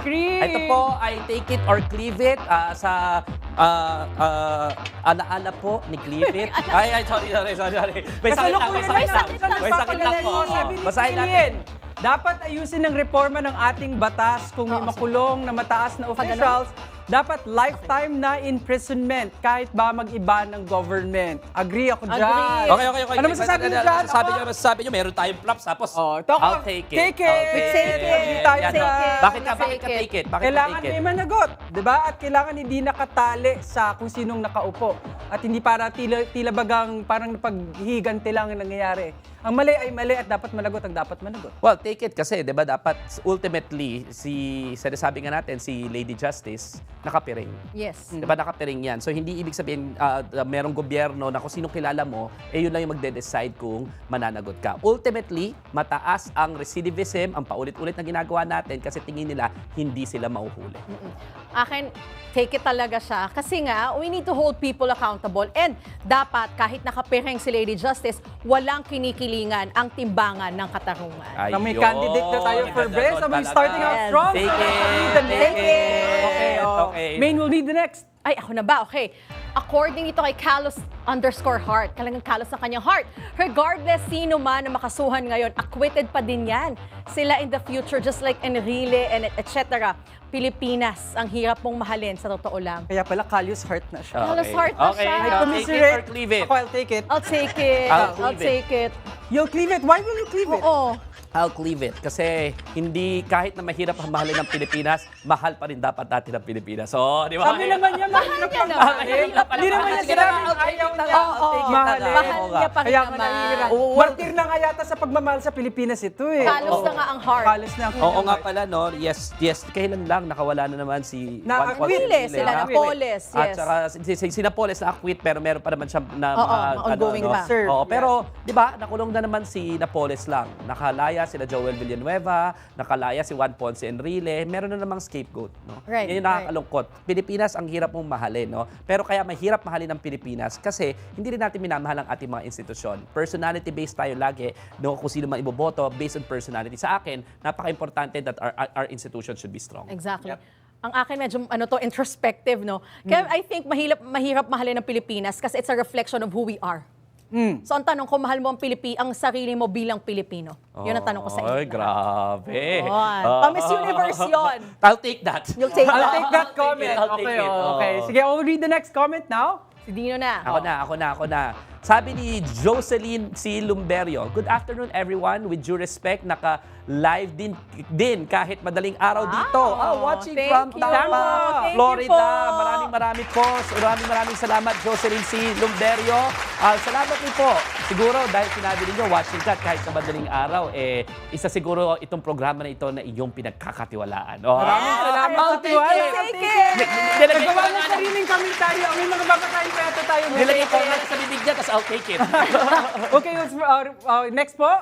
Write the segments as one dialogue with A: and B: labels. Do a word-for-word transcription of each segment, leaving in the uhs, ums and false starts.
A: Chris.
B: Ito po ay take it or cleave it ah, sa ah, ah, alaala po ni Cleave it. Ay, ay, sorry, sorry, sorry. sorry. May sakit lang, may sakit lang. May sakit lang po.
A: Sabi ni
B: Basahin natin.
A: Lillian, dapat ayusin ng reforma ng ating batas kung may
C: Oo,
A: makulong na mataas na officials. Dapat lifetime na imprisonment kahit ba mag-iba ng government. Agree ako dyan.
C: Agree.
B: Okay, okay, okay.
A: Ano masasabi niyo dyan?
B: Sabi
A: Ako?
B: niyo, masasabi niyo, meron tayong props, tapos
A: Oh, ito ako.
B: I'll take it.
A: Take it.
B: I'll
A: Take
B: take
A: it.
B: it.
A: Tayo
B: Yan,
A: sa-
B: oh. Bakit ka, bakit ka
C: Take it.
B: take it? Bakit ka
A: Kailangan
B: take it?
A: may managot, di ba? At kailangan hindi nakatali sa kung sinong nakaupo. At hindi para tila, tila bagang parang napaghigante lang ang nangyayari. Ang mali ay mali at dapat managot ang dapat managot.
B: Well, take it kasi, di ba, dapat ultimately, si, sinasabi nga natin, si Lady Justice, nakapiring.
C: Yes.
B: Di ba, nakapiring yan. So, hindi ibig sabihin, ah, merong gobyerno na kung sino kilala mo, eh yun lang yung magde-decide kung mananagot ka. Ultimately, mataas ang recidivism, ang paulit-ulit na ginagawa natin kasi tingin nila, hindi sila mauhuli.
C: Akin, take it talaga siya. Kasi nga, we need to hold people accountable. And dapat, kahit nakapereng si Lady Justice, walang kinikilingan ang timbangan ng katarungan.
A: Na may
B: Ayun.
A: candidate na tayo for
B: Ganda
A: best.
B: doon
A: So, we're
B: talaga.
A: starting out
C: Yes.
A: strong.
B: Take
A: So,
B: it.
A: we'll need the
B: Take
A: next.
B: it.
A: Okay, oh.
B: Okay.
A: Main will need the next.
C: Ay, ako na ba? Okay. According ito kay Carlos underscore heart, talagang Carlos ang kanyang heart. Regardless sino man na makasuhan ngayon, acquitted pa din yan. Sila in the future, just like Enrile and et cetera. Pilipinas, ang hirap mong mahalin sa totoo lang.
A: Kaya pala, Callous Heart na siya.
C: Carlos Heart na
B: Okay.
C: siya.
A: I
B: Take it or
A: commiserate.
B: cleave it.
A: Ako, I'll take it.
C: I'll take it.
B: I'll
C: I'll,
B: cleave it.
C: take it.
A: You'll cleave it. Why will you cleave it?
C: Oo.
B: I'll cleave it. Kasi hindi, kahit na mahirap ang mahalin ng Pilipinas, mahal pa rin dapat natin ang Pilipinas. So, di ba?
A: Sabi naman niya, mahirap
C: niya
A: ang
C: naman.
A: mahalin. Hindi naman niya
B: Sige
A: sinabing
B: na, I'll take
A: ayaw
B: it na
A: niya.
B: nga, I'll take it na
A: Mahalin.
B: nga.
C: Mahal
B: Oo
C: niya
B: nga.
C: pa rin
A: Kaya nga
C: naman.
A: nahihirap.
B: Oo.
A: Martir na nga yata sa pagmamahal sa Pilipinas ito eh.
C: Kalos na nga ang heart.
A: Kalos na ang
B: Oo nga pala, no? Yes, yes. Kailan lang nakawala na naman si
A: Na-
B: Juan Ponce
C: Aquile,
B: Enrile.
C: sila na
B: Aquile.
C: Poles,
B: At
C: yes.
B: saka si, si, si Napoles na acquit pero meron pa naman siya na
C: Oo,
B: mga
C: mga ongoing pa.
A: Sir,
B: Oo,
A: yes.
B: pero 'di ba, nakulong na naman si Napoles lang. Nakalaya sila Joel Villanueva, nakalaya si Juan Ponce Enrile, meron na namang scapegoat, no?
C: Right,
B: Yan yung nakakalungkot. Pilipinas ang hirap mong mahalin, no? Pero kaya mahirap mahalin ng Pilipinas kasi hindi rin natin minamahal ang ating mga institusyon. Personality based tayo lagi, no? Kung sino man iboboto based on personality. Sa akin, napaka-importante that our, our, our institution should be strong.
C: Exactly. Ang akin medyo ano to introspective, no? Kaya I think mahirap mahirap mahalin ng Pilipinas kasi it's a reflection of who we are. So ang tanong ko, mahal mo ang Pilipi, ang sarili mo bilang Pilipino? Yun ang tanong ko sa inyo.
B: Ay, grabe.
C: Yun.
B: Ah.
C: Pa-Miss Universe yun.
B: I'll take that.
C: You'll take
A: I'll
C: that.
A: take that comment.
B: I'll take
A: Okay,
B: it.
A: oh, okay.
B: Oo.
A: Sige, I'll read the next comment now.
C: Si Dino na.
B: Ako na, ako na, ako na. Sabi ni Jocelyn C. Lumberio, good afternoon everyone. With due respect, naka-live din, din kahit madaling araw
C: Wow.
B: dito. Oh, watching
C: Thank
B: from
C: you.
B: Tampa,
C: Thank you
B: Florida.
C: po.
B: Maraming maraming po. Maraming maraming salamat, Jocelyn C. Lumberio. Ah, salamat din po. Siguro dahil sinabi ninyo, watching ka kahit sa madaling araw, eh, isa siguro itong programa na ito na iyong pinagkakatiwalaan. Oh.
A: Maraming salamat
B: I'll
A: sa
B: take
A: tiwala.
B: it.
C: Take it.
B: Nilagay ko
A: Nagawa
B: lang
A: ng sariling komentaryo. May mga babakain pa yata tayo.
B: Nilagay ko lang sa bibig niya, tapos I'll take it.
A: Okay, let's, uh, uh, next po.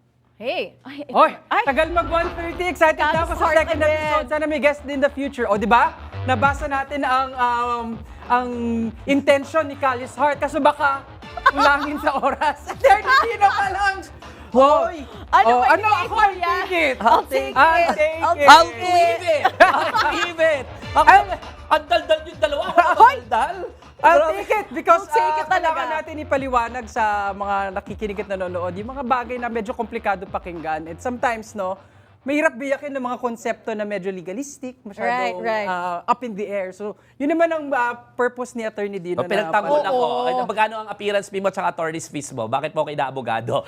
C: Hey. Ay,
A: Oy,
C: ay.
A: tagal mag one thirty. Excited na ako sa
C: Callous
A: second
C: Heart
A: episode.
C: again.
A: Sana may guest in the future. O, di ba? Nabasa natin ang um, ang intention ni Callous Heart. Kaso baka ulangin sa oras. thirty na pa lang. Hoy!
C: Ano
A: Oh,
C: ba
A: ano
C: yung
A: ako?
C: ikaw
A: I'll
C: yan?
A: take it.
C: I'll take
A: I'll
C: it.
A: take
C: I'll
A: it.
B: I'll believe it! I'll believe it! Ako, ang daldal yung dalawa. Ako na
A: Hoy!
B: daldal.
A: I'll take it because
C: I'll take
A: uh,
C: it talaga.
A: kailangan natin ipaliwanag sa mga nakikinig at nanonood yung mga bagay na medyo komplikado pakinggan. And sometimes, no, mahirap biyakin ng mga konsepto na medyo legalistic, masyadong
C: Right, right.
A: uh, up in the air. So, yun naman ang uh, purpose ni Attorney Dino.
B: O, pinagtanggol
C: Oo.
B: ako. Ay, magkano ang appearance fee mo at attorney's fees mo? Bakit mo kayo inaabogado?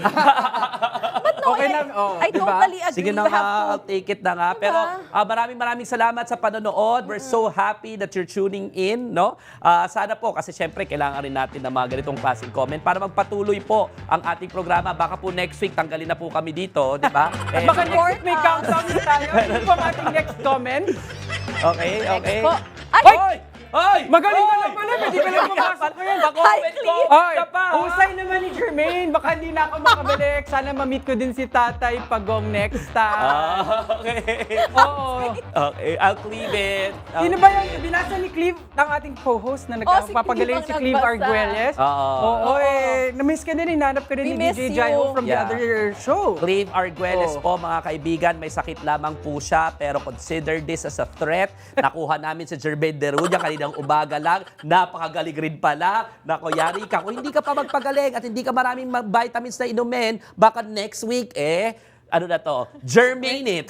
C: No,
A: Okay
C: I,
A: lang, oh,
C: I
A: diba?
C: totally agree.
B: Sige na
C: You have
B: nga,
C: to-
B: I'll take it na nga. Pero ah, maraming maraming salamat sa panonood. We're so happy that you're tuning in, no? Ah, sana po, kasi syempre, kailangan rin natin ng mga ganitong klaseng comment para magpatuloy po ang ating programa. Baka po next week, tanggalin na po kami dito, di ba? Eh,
A: Baka next week may countdown na tayo. Yun po ang ating next comment.
B: okay, okay.
C: po. Ay!
B: Hoy! Ay!
A: Magaling ka
B: Ay!
A: lang pala, hindi ka lang pumasok ngayon.
B: Pa-comment ko
A: Ay,
B: ka pa. ha?
A: husay naman ni Jermaine. Baka hindi na ako makabalik. Sana ma-meet ko din si Tatay Pagong next time.
B: Ah, okay.
A: Oo.
B: Okay, I'll cleave it.
A: Sino ba yung binasa ni Cleve, ang ating co-host na
C: Oh, si
A: nagpapagaling
C: Cleve
A: si
C: ang
A: Cleve
C: nagbasa.
A: Arguelles?
B: Oo.
A: Oo, eh. Na-miss ka din, hinanap ka din
C: We
A: ni
C: miss
A: D J
C: you.
A: Jaiho from the
B: Yeah.
A: other show.
B: Cleve Arguelles
A: Oh.
B: po, mga kaibigan, may sakit lamang po siya, pero consider this as a threat. Nakuha namin si Jermaine Derunya kaninang umaga lang. Napakagaling rin pala. Nako, yari ka. Kung hindi ka pa magpagaling at hindi ka maraming ma- vitamins na inumin, baka next week, eh, ano na to? Germane it.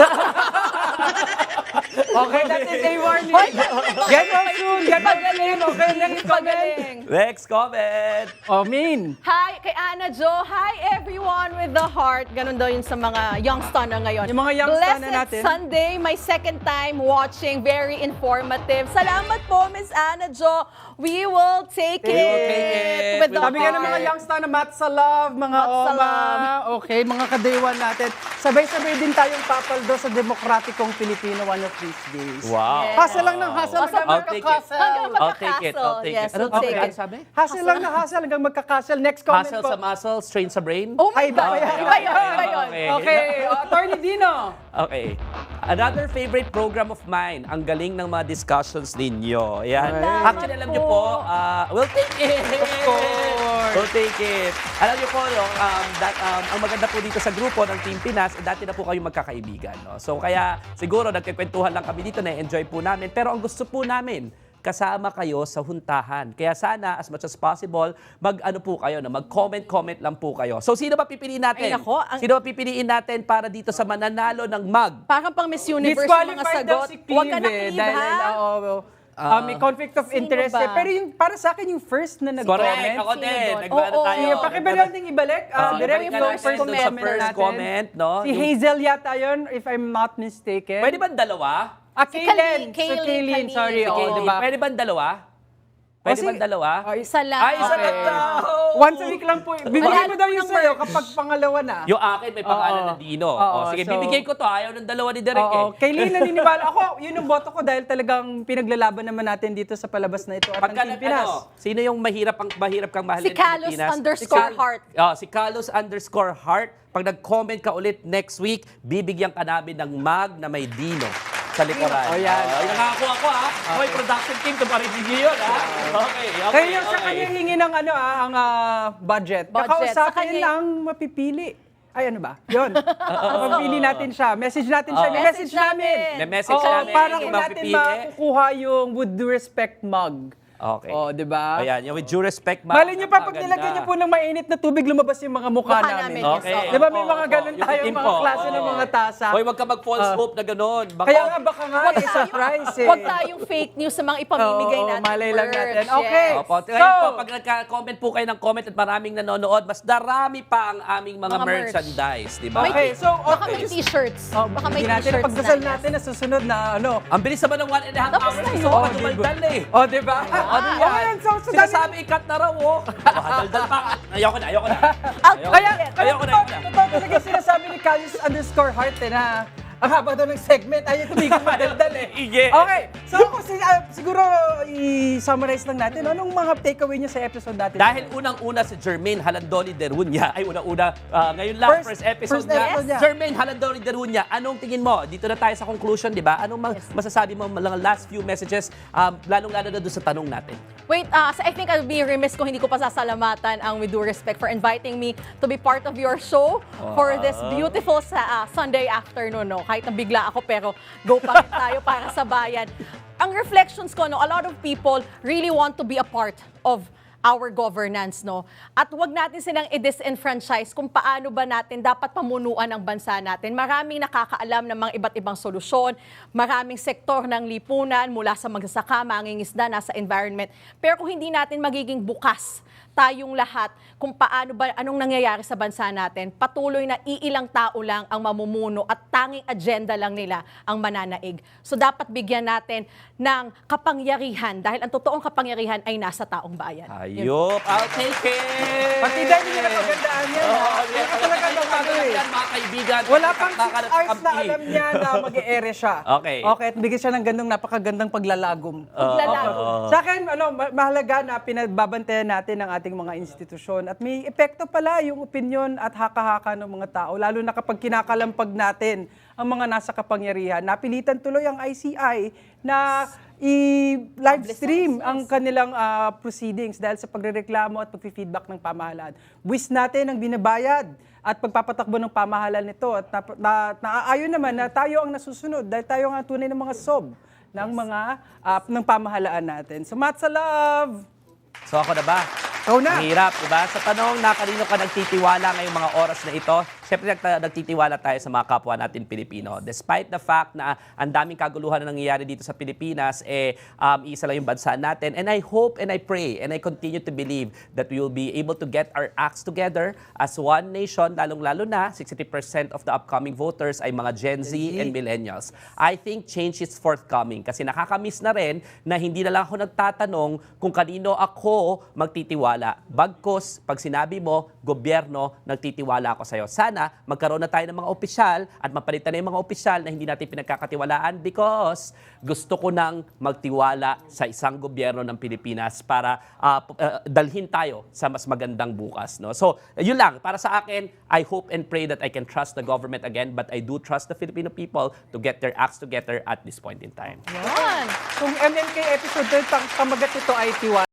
A: Okay, that is a warning. Get well soon. Get well soon. Okay, next comment.
C: Pagaling.
B: Next comment.
A: Oh, Min.
C: Hi, kay Ana Jo. Hi, everyone with the heart. Ganun daw yun sa mga young stunner ngayon.
A: Yung mga young
C: Blessed
A: stunner natin.
C: Sunday, my second time watching. Very informative. Salamat po, Miss Ana Jo. We will take
A: We
C: it.
A: will
B: take it.
C: With
B: We
C: the
B: will
A: Sabi nga ng mga
C: heart.
A: youngster na mat sa love, mga
C: Mat sa
A: oma.
C: love.
A: Okay, mga kadaywan natin. Sabay-sabay din tayong papaldo sa demokratikong Pilipino one of these days.
B: Wow.
C: Yes.
A: Hustle lang ng hustle
C: Awesome.
A: hanggang
B: I'll take it.
A: magkakastle.
C: Hanggang
B: I'll take it. I'll
C: magkakastle.
B: take
C: Yes,
B: it. Ano
C: we'll take
B: okay.
C: it.
B: sabi?
A: Hustle lang na hustle hanggang magkakastle. Next comment
B: Hustle
A: po.
B: sa muscle, strain sa brain?
C: Oh my
A: Ay, iba
C: God.
A: ba yan?
C: Iba yun, iba yun.
B: Okay.
A: Okay, uh, Attorney Dino.
B: Okay. Another favorite program of mine, ang galing ng mga discussions ninyo. Ayan.
A: Salamat
B: Actually, alam niyo po, uh, we'll take it.
A: Of course.
B: We'll take it. Alam niyo po, no, um, that, um, ang maganda po dito sa grupo ng Team Pinas, eh, dati na po kayong magkakaibigan. No? So kaya siguro nagkikwentuhan lang kami dito, na-enjoy po namin. Pero ang gusto po namin, kasama kayo sa huntahan. Kaya sana, as much as possible, mag-ano po kayo, no? mag-comment-comment lang po kayo. So sino ba pipiliin natin?
C: Ay, nako, ang-
B: Sino ba pipiliin natin para dito sa mananalo ng mug?
C: Parang pang Miss Universe yung mga
A: Disqualified daw
C: sagot.
A: si
C: Huwag ka
A: Cleve
C: na
A: eh,
C: Cleve,
A: dahil,
C: ha?
A: oo, oo. Ah, may conflict of
C: Sino
A: interest
C: ba?
A: eh. Pero yung, para sa akin, yung first na nag-comment.
B: Correct, ako
C: Sino
B: din.
C: doon?
B: Nagbaano
C: Oo.
B: tayo.
A: Sige, pakiba natin ibalik. Uh,
B: Ah,
A: direct
B: ibalik
A: yung
B: na
A: first
B: natin dun sa
A: comment
B: first
A: natin.
B: comment, no?
A: Si
B: Yung-
A: Hazel yata yun, if I'm not mistaken.
B: Pwede ba dalawa?
A: Ah,
C: Si
A: Kaylin.
C: Kaylin,
A: Si
C: Kaylin,
A: Kaylin,
C: Kaylin.
A: sorry.
C: Si
A: Oo,
C: Kaylin.
A: diba?
B: Pwede ba dalawa? Pwede
A: O,
B: ba
A: si-
B: dalawa?
A: Oh,
C: Isa lang.
B: Ay, isa
A: Okay.
B: lang daw.
A: Once a week lang po. Bibigyan
C: Wala
A: mo daw yung
C: namang
A: sa'yo kapag pangalawa na.
B: Yung akin may pangalan
A: Oo.
B: na Dino.
A: Oo,
B: O, sige,
A: so-
B: bibigay ko to. Ayaw ng dalawa ni Derek
A: Oo,
B: eh.
A: Kaylin naniniwala. Ako, yun yung boto ko dahil talagang pinaglalaban naman natin dito sa palabas na ito at
B: Pagka
A: ng Team
B: nag-
A: Pinas.
B: ano, sino yung mahirap ang mahirap kang mahalin
C: Si
B: ng
C: Carlos
B: Pilipinas?
C: underscore
B: Si Cal-
C: heart.
B: Oh, si Carlos underscore heart. Pag nag-comment ka ulit next week, bibigyan ka namin ng mug na may Dino sa likuran.
A: Oh, yan.
B: Oh, yung nakakuha ko ha. Okay. production team, ito pa rin yun ha. Okay, okay,
A: Kaya yung sa
B: okay.
A: kanya hingi ng ano ah, ang ah, budget.
C: Budget. Sa
A: Kakausapin
C: kanya-
A: lang mapipili. Ay, ano ba? Yun. Mapipili natin siya. Message natin siya.
B: Oo.
A: May message
C: Message
A: namin.
C: namin.
B: May message
A: Oo,
B: namin.
A: para
B: Yung
A: kung natin
B: mapipili.
A: makukuha yung with due respect mug.
B: Okay.
A: Oh, di ba?
B: Ayan, yung with due respect, ma'am.
A: Mali nyo pa, pag
B: Maganda.
A: nilagyan nyo po ng mainit na tubig, lumabas yung mga mukha,
C: Mukha
A: namin.
C: namin, yes.
B: Okay.
C: Oo.
A: Di ba may
B: Opo,
A: mga
B: opo.
A: ganun
B: Yung
A: tayo,
B: itim
A: mga
B: po,
A: klase
B: oo.
A: ng mga tasa.
B: Hoy, wag ka mag-false
A: Ah.
B: hope na gano'n. Baka,
A: Kaya nga, baka nga, eh, surprise eh.
C: Huwag tayong fake news sa mga ipamimigay
A: Oo,
C: natin.
A: malay lang
C: merch.
A: natin.
C: Yes.
A: Okay.
B: Opo.
A: So-
B: Ngayon po, pag nagka-comment po kayo ng comment at maraming nanonood, mas darami pa ang aming mga,
C: Mga merch.
B: merchandise, di ba?
A: Okay, so,
C: Baka
A: okay.
C: may t-shirts.
A: Oh,
C: Baka may
A: hindi natin
C: t-shirts
A: pagdasal
C: na.
A: natin na susunod na ano.
B: Ang bilis naman ng one and a half
C: Tapos
B: hours.
C: na yun.
B: So,
A: Oh,
B: dumaldal eh.
A: Oh, di ba?
B: Ano
A: Oh,
B: yan?
A: yan, so, so,
B: Sinasabi ikat na raw, oh. Makadaldal pa. Ayoko na, ayoko na.
C: Out.
B: Ayoko
A: Kaya,
B: na.
A: kaya
B: Ayoko na,
A: totoo,
B: ayoko na.
A: totoo talaga sinasabi ni Callis underscore heart eh, na ang haba daw ng segment, ayaw tumigil magdaldal eh.
B: Ige.
A: Okay, so ako si- ah, siguro i-summarize lang natin, anong mga takeaway niyo sa episode natin?
B: Dahil unang-una si Jermaine Halandoni Derunya, ay unang-una, ah, ngayon lang,
A: First-
B: first, episode
A: first
B: niya.
A: episode niya.
B: Jermaine Halandoni Derunya, anong tingin mo? Dito na tayo sa conclusion, di ba? Anong ma- masasabi mo, mga last few messages, um, lalong-lalo na doon sa tanong natin?
C: Wait, uh, so I think I'll be remiss kung hindi ko pa sasalamatan ang With Due Respect for inviting me to be part of your show for this beautiful sa, uh, Sunday afternoon. No? Kahit nabigla ako, pero go pa rin tayo para sa bayan. Ang reflections ko, no, a lot of people really want to be a part of our governance, no? At wag natin silang i-disenfranchise kung paano ba natin dapat pamunuan ang bansa natin. Maraming nakakaalam ng mga iba't ibang solusyon, maraming sektor ng lipunan, mula sa magsasaka, mangingisda, nasa environment. Pero kung hindi natin magiging bukas tayong lahat kung paano ba, anong nangyayari sa bansa natin, patuloy na iilang tao lang ang mamumuno at tanging agenda lang nila ang mananaig. So dapat bigyan natin ng kapangyarihan dahil ang totoong kapangyarihan ay nasa taong bayan. Yun.
B: Ayop, I'll take it!
A: Partida, hindi nyo napagandaan yan.
B: Oo,
A: ha?
B: hindi
A: Kaya
B: ko
A: talaga
B: talaga
A: ng ano eh.
B: yan, mga kaibigan.
A: Wala pang six
B: Nakaka-
A: hours na
B: kampi.
A: alam niya na mag-e-ere siya.
B: Okay.
A: Okay, at bigyan siya ng gandong napakagandang paglalagom.
C: Paglalagom.
A: Sa akin, ano, ma- mahalaga na pinagbabantayan natin ang ating mga institusyon at may epekto pala yung opinion at haka-haka ng mga tao, lalo na kapag kinakalampag natin ang mga nasa kapangyarihan. Napilitan tuloy ang I C I na i-live stream ang kanilang ah, proceedings dahil sa pagrereklamo at pag-feedback ng pamahalaan. Buwis natin ang binabayad at pagpapatakbo ng pamahalaan nito at na, na, naaayon naman na tayo ang nasusunod dahil tayo ang tunay ng mga sob ng mga ah, ng pamahalaan natin. So, Matsa Love!
B: So ako na ba?
A: Ikaw na.
B: Ang hirap, diba? Sa tanong na kanino ka nagtitiwala ngayong mga oras na ito, siyempre nagta- nagtitiwala tayo sa mga kapwa natin Pilipino. Despite the fact na ang daming kaguluhan na nangyayari dito sa Pilipinas, eh, um, isa lang yung bansa natin. And I hope and I pray and I continue to believe that we will be able to get our acts together as one nation, lalong-lalo na sixty percent of the upcoming voters ay mga Gen Z,
A: Gen Z.
B: and millennials. I think change is forthcoming kasi nakakamiss na rin na hindi na lang ako nagtatanong kung kanino ako magtitiwala. Bagkus, pag sinabi mo, gobyerno, nagtitiwala ako sa'yo. Sana magkaroon na tayo ng mga opisyal at mapalitan na yung mga opisyal na hindi natin pinagkakatiwalaan because gusto ko nang magtiwala sa isang gobyerno ng Pilipinas para uh, uh, dalhin tayo sa mas magandang bukas. No? So, yun lang. Para sa akin, I hope and pray that I can trust the government again, but I do trust the Filipino people to get their acts together at this point in time.
C: Yan.
A: Kung M M K episode, pang pamagat ito ay tiwala.